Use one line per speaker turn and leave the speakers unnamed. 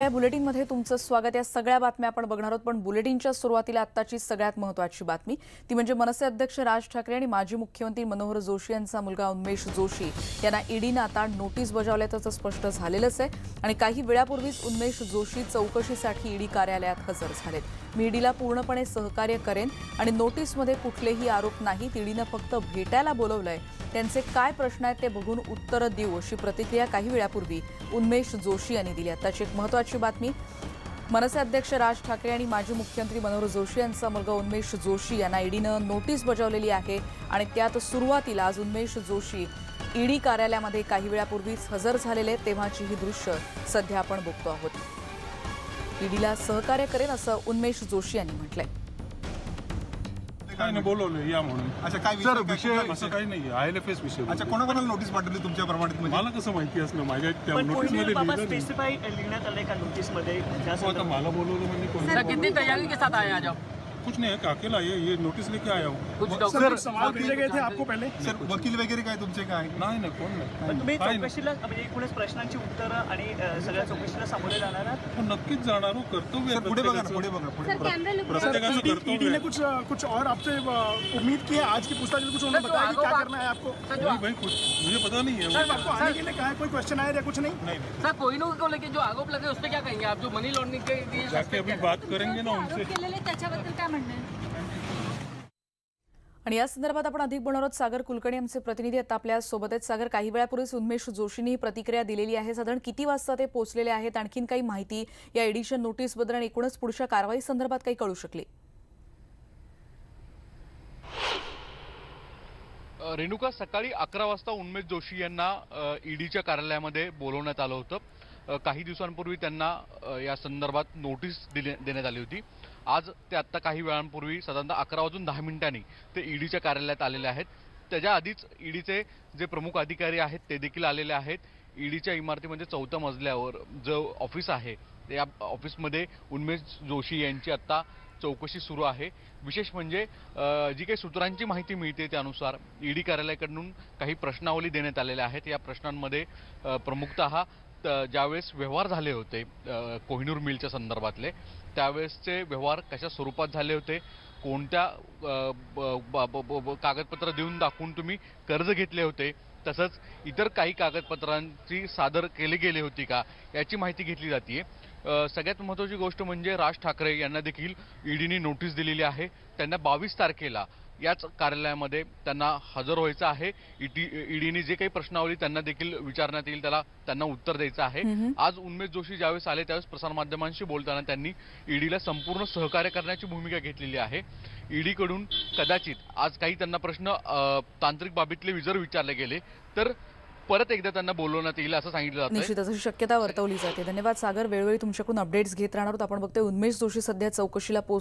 या बुलेटिनमध्ये तुमचं स्वागत। या सगळ्या बातम्या आपण बघणार आहोत, पण बुलेटिनच्या सुरुवातीला आत्ताची सगळ्यात महत्त्वाची बातमी ती म्हणजे मनसे अध्यक्ष राज ठाकरे आणि माजी मुख्यमंत्री मनोहर जोशी यांचा मुलगा उन्मेष जोशी यांना ईडीनं आता नोटीस बजावल्याचं स्पष्ट झालेलंच आहे आणि काही वेळापूर्वीच उन्मेष जोशी चौकशीसाठी ईडी कार्यालयात हजर झालेत। मी ईडीला पूर्णपणे सहकार्य करेन आणि नोटीसमध्ये कुठलेही आरोप नाहीत, ईडीनं फक्त भेटायला बोलवलंय, त्यांचे काय प्रश्न आहेत ते बघून उत्तर देऊ अशी प्रतिक्रिया काही वेळापूर्वी उन्मेष जोशी यांनी दिली। आताची एक महत्त्वाची बातमी, मनसे अध्यक्ष राज ठाकरे आणि माजी मुख्यमंत्री मनोहर जोशी यांचा मुलगा उन्मेष जोशी यांना ईडीनं नोटीस बजावलेली आहे आणि त्यात सुरुवातीला आज उन्मेष जोशी ईडी कार्यालयामध्ये काही वेळापूर्वीच हजर झालेले तेव्हाची ही दृश्य सध्या आपण बघतो आहोत। ईडीला सहकार्य करेन असं उन्मेष जोशी यांनी म्हटलंय।
काय नाही बोलवलं या म्हणून।
अच्छा, काय विषय
असं काही नाही, ILFS विषय।
अच्छा, कोणाकोणाला नोटीस पाठवली तुमच्या प्रमाणित?
मला कसं माहिती असणं, माझ्या त्या नोटीसमध्ये
स्पेसिफाई लिहिण्यात आले का नोटीसमध्ये?
आता मला बोलवलं म्हणजे कोण?
कितनी तैयारी के साथ आए आज आप?
कुछ नहीं है, अकेला ये नोटिस लेके आया हूँ।
कुछ
सर,
सवाल
पूछे गए थे आपको पहले? सर, वकील वगैरे काय तुमचे काय?
नाही ना, कोण नाही।
तुम्ही
काय नाही.
चौकशीला म्हणजे एकूणच प्रश्नांची उत्तरं आणि सगळ्या चौकशीला सामोरे जाणार आहात?
पण नक्कीच जाणार हो, कर्तव्य
सर,
आहे
पुढे बघा ना,
प्रत्येकाचं।
पुढे बघा, पुढे बघा।
प्रत्येकाचं कर्तव्य
ने
आहे।
कुछ और आपसे उम्मीद की है? आज की पूछताछ में कुछ उन्होंने बताया कि क्या करना है आपको?
नहीं भाई, कुछ मुझे पता नहीं है।
सर, आपको आने के लिए कहा है? कोई क्वेश्चन आया या कुछ नहीं?
नहीं,
सर कोहिनूर को लेके जो आरोप लगे उस पर क्या कहेंगे आप, जो मनी लॉन्ड्रिंग के लिए
जाके अभी बात करेंगे ना उनसे।
त्याच्याबद्दल काय म्हणणं आहे?
आणि या संदर्भात आपण अधिक बोलणार आहोत। सागर कुलकर्णी आमचे प्रतिनिधी आता आपल्या सोबत आहेत। सागर, काही वेळापूर्वीच उन्मेष जोशींनी ही प्रतिक्रिया दिलेली आहे, साधारण किती वाजता ते पोहोचलेले आहेत? आणखीन काही माहिती या एडिशन नोटीसबद्दल आणि एकूणच पुढच्या कारवाई संदर्भात काही कळू शकली?
रेणुका, सकाळी 11 वाजता उन्मेष जोशी यांना ईडीच्या कार्यालयामध्ये बोलवण्यात आलं होतं। काही दिवसांपूर्वी त्यांना या संदर्भात नोटीस देण्यात आली होती। आज ते आत्ता काही वेळांपूर्वी साधारणतः 11:10 ते ईडीच्या कार्यालयात आलेले आहेत। त्याच्या आधीच ईडीचे जे प्रमुख अधिकारी आहेत ते देखील आलेले आहेत। ईडीच्या इमारतीमध्ये 4थ्या मजल्यावर जो ऑफिस आहे त्या ऑफिसमध्ये उन्मेष जोशी यांची आत्ता चौकशी सुरू आहे। विशेष म्हणजे जी काही सूत्रांची माहिती मिळते त्यानुसार ईडी कार्यालयाकडून काही प्रश्नावली देण्यात आलेल्या आहेत। या प्रश्नांमध्ये प्रमुखतः ज्यावेळेस व्यवहार झाले होते कोहिनूर मिलच्या संदर्भातले, त्यावेळेसचे व्यवहार कशा स्वरूपात झाले होते, कोणत्या कागदपत्र देऊन दाखवून तुम्ही कर्ज घेतले होते, तसंच इतर काही कागदपत्रांची सादर केली गेली होती का, याची माहिती घेतली जाते। सगळ्यात महत्त्वाची गोष्ट म्हणजे राज ठाकरे यांना देखील ईडीने नोटीस दिलेली आहे। त्यांना 22 तारखेला याच कार्यालयामध्ये त्यांना हजर व्हायचं आहे। ईडीने जे काही प्रश्नावली त्यांना देखील विचारण्यात येईल, त्यांना उत्तर द्यायचं आहे। आज उन्मेष जोशी ज्यावेळेस आले त्यावेळेस प्रसारमाध्यमांशी बोलताना त्यांनी ईडीला संपूर्ण सहकार्य करण्याची भूमिका घेतलेली आहे। ईडीकडून कदाचित आज काही त्यांना प्रश्न तांत्रिक बाबीतले जर विचारले गेले तर परत एकदा त्यांना बोलवण्यात येईल असं सांगितलं जातं।
निश्चितच अशी शक्यता वर्तवली जाते। धन्यवाद सागर, वेळोवेळी तुमच्याकडून अपडेट्स घेत राहणार आहोत। आपण बघतोय उन्मेष जोशी सध्या चौकशीला